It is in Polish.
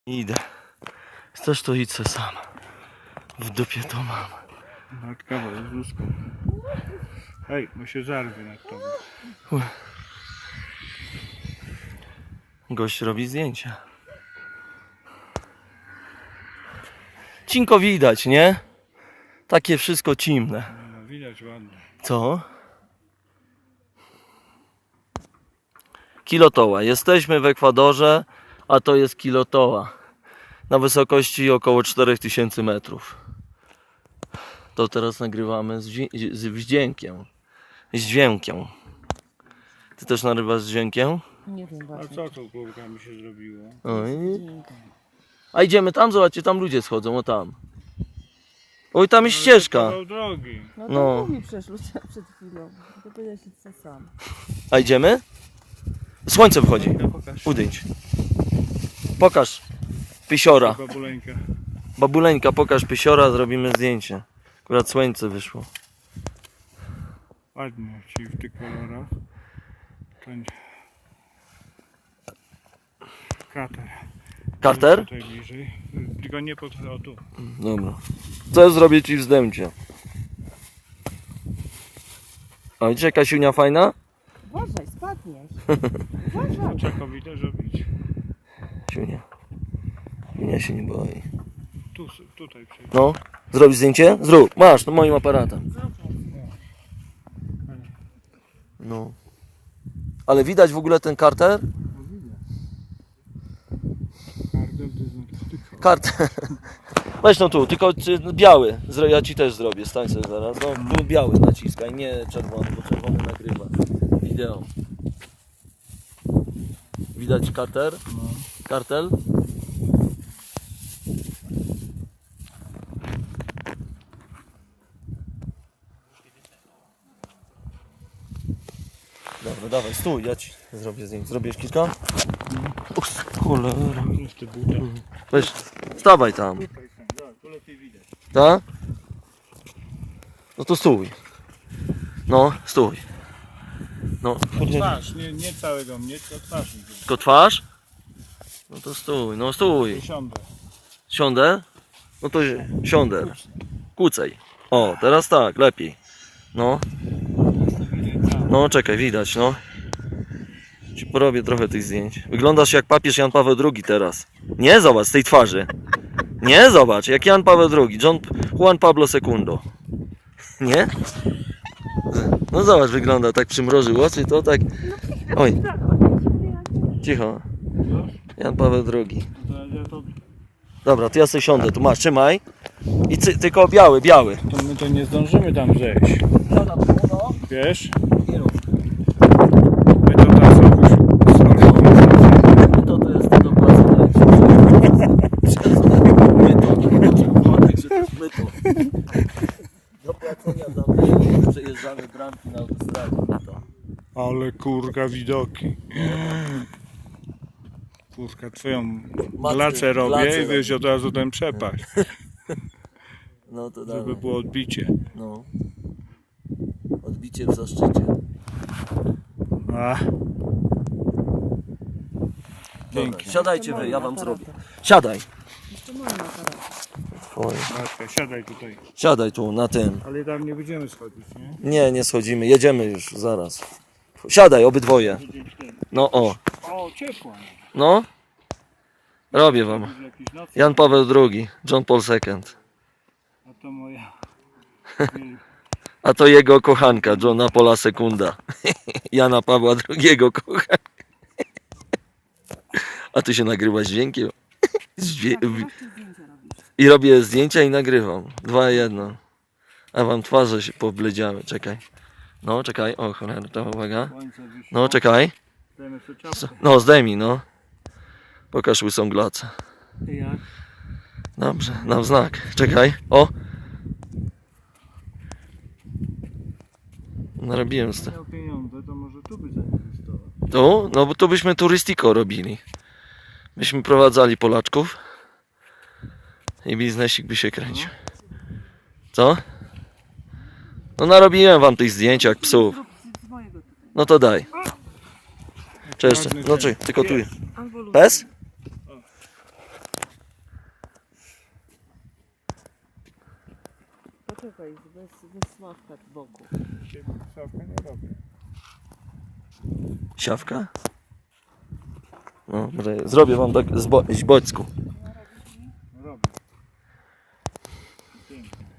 Idę. Chcesz to idź se sam. W dupie to mam. Matka Jezuska. Hej, bo się zarwie nad tobą. Gość robi zdjęcia. Cinko widać, nie? Takie wszystko cimne. No, widać ładnie. Co? Kilotoła. Jesteśmy w Ekwadorze, a to jest kilotoła. Na wysokości około 4000 metrów. To teraz nagrywamy z dźwiękiem. Z dźwiękiem. Ty też nagrywasz z dźwiękiem? Nie wiem A właśnie. co tu główkami się zrobiło? Oj. A idziemy tam, zobaczcie, tam ludzie schodzą, o tam. Oj, tam jest ścieżka. Kawał drogi. No No. to mówi przecież Lucia przed chwilą. To powiedziałeś co sam. A idziemy? Słońce wchodzi. Pokaż. Udyć. Pokaż pysiora. Babuleńka. Babuleńka, pokaż pysiora, zrobimy zdjęcie. Akurat słońce wyszło. Ładnie ci w tych kolorach. Ten... Krater. Carter? Tutaj bliżej. Tylko nie pod... O tu. Dobra. Co zrobię ci w zdjęcie? O, widzisz jaka siunia fajna? Uważaj, spadniesz. Uważaj. Czego widzę zrobić? Siunia. Siunia się nie boi. Tu, tutaj przejdę. No, zrobisz zdjęcie? Zrób. Masz, to moim aparatem. No. Ale widać w ogóle ten Carter? No widzę. Kardel to znaczy tylko. Carter. Weź no tu, tylko biały. Ja ci też zrobię, stań sobie zaraz. No, tu biały naciskaj, nie czerwony, bo czerwony nagrywa wideo. Widać Carter? No. Kartel? Dobra, dawaj, stój, ja ci zrobię zdjęcie. Zrobisz kilka? Cholera. Jest te buta. Weź, stawaj tam. Tutaj są. Dobra, tu lepiej widać. Tak? No to stój. No, stój. No, Twarz, nie całego mnie, tylko twarz mi. tylko twarz? No to stój, no stój. Siądę. Siądę? No to siądę. Kłócej. O, teraz tak, lepiej. No, no czekaj, widać, no. Ci porobię trochę tych zdjęć. Wyglądasz jak papież Jan Paweł II teraz. Nie, zobacz, z tej twarzy. Nie, zobacz, jak Jan Paweł II. Juan Pablo II. Nie? No zobacz, wygląda, tak przymrożył oczy, to tak... Oj. Cicho. Jan Paweł II. Dobra, to ja sobie siądę, tu masz, trzymaj. I tylko biały. To my to nie zdążymy tam zejść. Wiesz? My to tam To jest to do płacenia. Myto. Do płacenia tam przejeżdżamy bramki na autostradzie. Myto. Ale kurka widoki. Kurka, twoją Matkę, glacę robię glacę i wiesz od razu ten przepaść, No to żeby dawaj. było odbicie. No. Odbicie w zaszczycie. A, Dobra, pięknie. siadajcie wy, ja wam zrobię. Siadaj. Jeszcze mam aparat. Twoje. Matka, siadaj tutaj. Siadaj tu, na tym. Ale tam nie będziemy schodzić, nie? Nie schodzimy, jedziemy już, zaraz. Siadaj, obydwoje. No o, O, ciepło. no. Robię wam. Jakiś noc, Jan Paweł II, John Paul II. a to moja. A to jego kochanka, Johna Paula II. Jana Pawła II kochanka. A ty się nagrywasz dźwiękiem? I robię zdjęcia i nagrywam. 2:1. A wam twarze się pobledziały, czekaj. No, czekaj, o cholera, to uwaga. Słońce wyszło. No, czekaj. Dajmy sobie czapkę. No, zdejmij, no. Pokaż łysą glacę. Jak? Dobrze, dam znak. Czekaj, o. Narobiłem z tym. Miał pieniądze, to może tu by zainwestował. Tu? No bo tu byśmy turystyko robili. Byśmy prowadzali Polaczków i biznesik by się kręcił. Co? No narobiłem wam tych zdjęć jak psów. Z mojego tutaj. No to daj. Czy jeszcze? No czy, tylko tu. Albo lub. Pes? Poczekaj, bez Sławka z boku. Ciebie Sławka nie robię. Siawka? No, może zrobię wam tak z boczku. Robię. Pięknie.